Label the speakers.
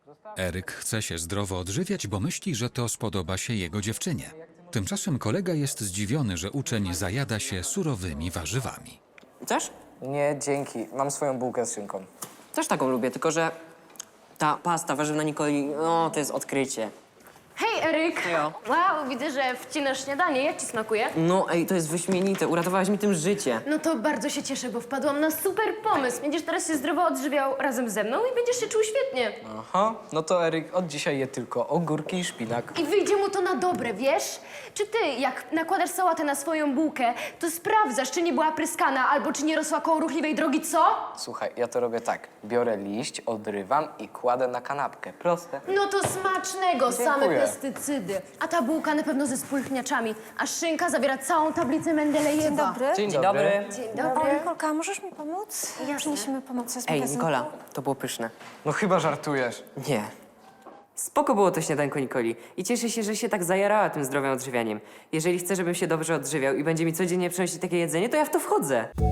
Speaker 1: Eryk chce się zdrowo odżywiać, bo myśli, że to spodoba się jego dziewczynie. Tymczasem kolega jest zdziwiony, że uczeń zajada się surowymi warzywami.
Speaker 2: Chcesz?
Speaker 3: Nie, dzięki. Mam swoją bułkę z szynką.
Speaker 2: Też taką lubię, tylko że ta pasta warzywna Nikoli, no to jest odkrycie.
Speaker 4: Hej, Eryk!
Speaker 2: Hejo.
Speaker 4: Wow, widzę, że wcinasz śniadanie. Jak ci smakuje?
Speaker 2: No ej, to jest wyśmienite, uratowałaś mi tym życie.
Speaker 4: No to bardzo się cieszę, bo wpadłam na super pomysł. Będziesz teraz się zdrowo odżywiał razem ze mną i będziesz się czuł świetnie.
Speaker 3: Aha, no to Eryk od dzisiaj je tylko ogórki i szpinak.
Speaker 4: I wyjdzie mu to na dobre, wiesz? Czy ty, jak nakładasz sałatę na swoją bułkę, to sprawdzasz, czy nie była pryskana albo czy nie rosła koło ruchliwej drogi, co?
Speaker 3: Słuchaj, ja to robię tak. Biorę liść, odrywam i kładę na kanapkę. Proste.
Speaker 4: No to smacznego, same
Speaker 3: Dziękuję.
Speaker 4: pestycydy. A ta bułka na pewno ze spulchniaczami, a szynka zawiera całą tablicę Mendelejewa.
Speaker 5: Dzień dobry.
Speaker 3: Dzień
Speaker 2: Dzień
Speaker 3: dobry.
Speaker 2: dobry.
Speaker 4: Dzień
Speaker 5: O,
Speaker 4: dobry.
Speaker 5: Nikolka, możesz mi pomóc? Przyniesiemy pomoc z
Speaker 2: Ej,
Speaker 5: magazynu.
Speaker 2: Nikola, to było pyszne.
Speaker 3: No chyba żartujesz.
Speaker 2: Nie. Spoko było to śniadanko Nikoli i cieszę się, że się tak zajarała tym zdrowym odżywianiem. Jeżeli chce, żebym się dobrze odżywiał i będzie mi codziennie przynosić takie jedzenie, to ja w to wchodzę.